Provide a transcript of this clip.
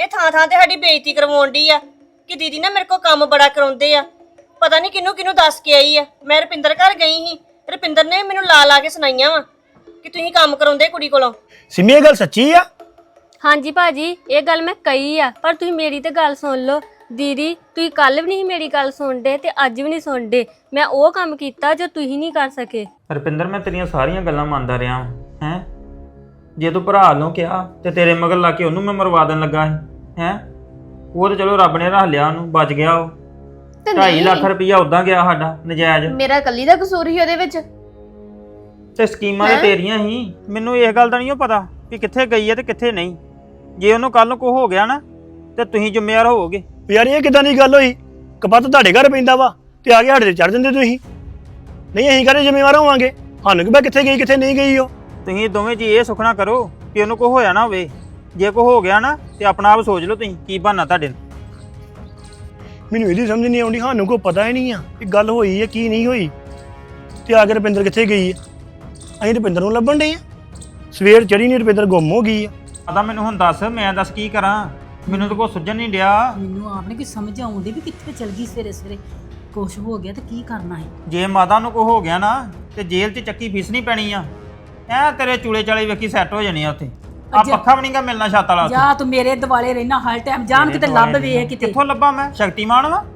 ਇਹ ਥਾਂ ਥਾਂ ਤੇ ਸਾਡੀ ਬੇਇੱਜ਼ਤੀ ਕਰਵਾਉਣ ਡਈ ਆ ਕਿ ਦੀਦੀ ਨਾ ਮੇਰੇ ਕੋਲ ਕੰਮ ਬੜਾ ਕਰਾਉਂਦੇ ਆ। ਪਤਾ ਨਹੀਂ ਕਿਹਨੂੰ ਕਿਹਨੂੰ ਦੱਸ ਕੇ ਆਈ ਆ। ਮੈਂ ਰੁਪਿੰਦਰ ਘਰ ਗਈ ਸੀ, ਰੁਪਿੰਦਰ ਨੇ ਮੈਨੂੰ ਲਾ ਲਾ ਕੇ ਸੁਣਾਈਆਂ ਵਾ ਕਿ ਤੁਸੀਂ ਕੰਮ ਕਰਾਉਂਦੇ ਕੁੜੀ ਕੋਲੋਂ। ਸਿੰਮੀ ਇਹ ਗੱਲ ਸੱਚੀ ਆ? ਹਾਂਜੀ ਭਾਜੀ, ਇਹ ਗੱਲ ਮੈਂ ਕਹੀ ਆ, ਪਰ ਤੁਸੀਂ ਮੇਰੀ ਤੇ ਗੱਲ ਸੁਣ ਲਓ। ਦੀਦੀ ਤੁਸੀਂ ਕੱਲ ਵੀ ਨਹੀਂ ਮੇਰੀ ਗੱਲ ਸੁਣਦੇ ਤੇ ਅੱਜ ਵੀ ਨਹੀਂ ਸੁਣਦੇ। ਮੈਂ ਉਹ ਕੰਮ ਕੀਤਾ ਜੋ ਤੁਸੀਂ ਨਹੀਂ ਕਰ ਸਕੇ। ਰੁਪਿੰਦਰ ਮੈਂ ਤੇਰੀਆਂ ਸਾਰੀਆਂ ਗੱਲਾਂ ਮੰਨਦਾ ਰਿਹਾ ਹੈ। ਜੇ ਤੂੰ ਭਰਾ ਨੂੰ ਕਿਹਾ ਤੇ ਤੇਰੇ ਮਗਰ ਲਾ ਕੇ ਉਹਨੂੰ ਮੈਂ ਮਰਵਾ ਦੇਣ ਲੱਗਾ ਸੀ ਹੈ। ਉਹ ਤੇ ਚਲੋ ਰੱਬ ਨੇ ਰੱਖ ਲਿਆ, ਉਹਨੂੰ ਬਚ ਗਿਆ। ਉਹ 2.5 ਲੱਖ ਰੁਪਈਆ ਉਦਾਂ ਗਿਆ ਸਾਡਾ ਨਜਾਇਜ਼। ਮੇਰਾ ਕੱਲੀ ਦਾ ਕਸੂਰ ਹੀ ਉਹਦੇ ਵਿੱਚ। ਤੇ ਸਕੀਮਾਂ ਤੇ ਤੇਰੀਆਂ ਹੀ। ਮੈਨੂੰ ਇਸ ਗੱਲ ਦਾ ਨਹੀਂ ਪਤਾ ਕਿ ਕਿੱਥੇ ਗਈ ਹੈ ਤੇ ਕਿੱਥੇ ਨਹੀਂ। ਜੇ ਉਹਨੂੰ ਕੱਲ ਨੂੰ ਕੋ ਹੋ ਗਿਆ ਨਾ ਤੇ ਤੁਸੀਂ ਜ਼ਿੰਮੇਵਾਰ ਹੋਵੋਗੇ। ਯਾਰ ਇਹ ਕਿਦਾਂ ਦੀ ਗੱਲ ਹੋਈ? ਕਪੱਤ ਤੁਹਾਡੇ ਘਰ ਪੈਂਦਾ ਵਾ ਤੇ ਆ ਕੇ ਸਾਡੇ ਤੇ ਚੜ ਜਾਂਦੇ ਤੁਸੀਂ। ਨਹੀਂ ਅਸੀਂ ਘਰੇ ਜ਼ਿੰਮੇਵਾਰ ਹੋਵਾਂਗੇ। ਸਾਨੂੰ ਕਿ ਕਿੱਥੇ ਗਈ ਕਿੱਥੇ ਨਹੀਂ ਗਈ ਉਹ। ਤੁਸੀਂ ਦੋਵੇਂ ਜੀ ਇਹ ਸੁਖਣਾ ਕਰੋ ਕਿ ਉਹਨੂੰ ਕੋ ਹੋਇਆ ਨਾ ਹੋਵੇ। ਜੇ ਕੋ ਹੋ ਗਿਆ ਨਾ ਤੇ ਆਪਣਾ ਆਪ ਸੋਚ ਲਓ ਤੁਸੀਂ ਕੀ ਬਹਾਨਾ ਤੁਹਾਡੇ ਨੂੰ। ਮੈਨੂੰ ਇਹਦੀ ਸਮਝ ਨਹੀਂ ਆਉਂਦੀ। ਸਾਨੂੰ ਕੋਈ ਪਤਾ ਹੀ ਨਹੀਂ ਆ ਕਿ ਗੱਲ ਹੋਈ ਹੈ ਕੀ ਨਹੀਂ ਹੋਈ। ਤੇ ਆ ਕੇ ਰੁਪਿੰਦਰ ਕਿੱਥੇ ਗਈ ਆ? ਅਸੀਂ ਰੁਪਿੰਦਰ ਨੂੰ ਲੱਭਣ ਡਏ ਆ। ਸਵੇਰ ਚੜੀ ਨਹੀਂ, ਰੁਪਿੰਦਰ ਗੁੰਮ ਹੋ ਗਈ ਆ। ਆਦਾ ਮੈਨੂੰ ਹੁਣ ਦੱਸ, ਮੈਂ ਦੱਸ ਕੀ ਕਰਾਂ? ਮੈਨੂੰ ਤਾਂ ਕੋਈ ਸੁਝਣ ਨਹੀਂ ਡਿਆ। ਮੈਨੂੰ ਆਪ ਨੇ ਕੀ ਸਮਝ ਆਉਂਦੀ ਵੀ ਕਿੱਥੇ ਚਲ ਗਈ ਸਵੇਰੇ ਸਵੇਰੇ। ਕੁਛ ਹੋ ਗਿਆ ਤੇ ਕੀ ਕਰਨਾ ਹੈ? ਜੇ ਮਾਤਾ ਨੂੰ ਕੋ ਹੋ ਗਿਆ ਨਾ ਤੇ ਜੇਲ੍ਹ 'ਚ ਚੱਕੀ ਫੀਸਣੀ ਪੈਣੀ ਆ। ਐ ਤੇਰੇ ਚੂਲੇ ਚਾਲੇ ਵੇਖੀ ਸੈੱਟ ਹੋ ਜਾਣੀ ਆ ਉੱਥੇ। ਆ ਪੱਖਾ ਵੀ ਨਹੀਂਗਾ ਮਿਲਣਾ ਛੱਤ ਵਾਲਾ ਉੱਥੇ। ਜਾ ਤੂੰ ਮੇਰੇ ਦਿਵਾਲੇ ਰਹਿਣਾ ਹਰ ਟਾਈਮ। ਜਾਣ ਕਿਤੇ ਲੱਭ ਵੇਖ ਕਿਤੇ। ਕਿੱਥੋਂ ਲੱਭਾਂ ਮੈਂ? ਸ਼ਕਤੀਮਾਨ ਵਾ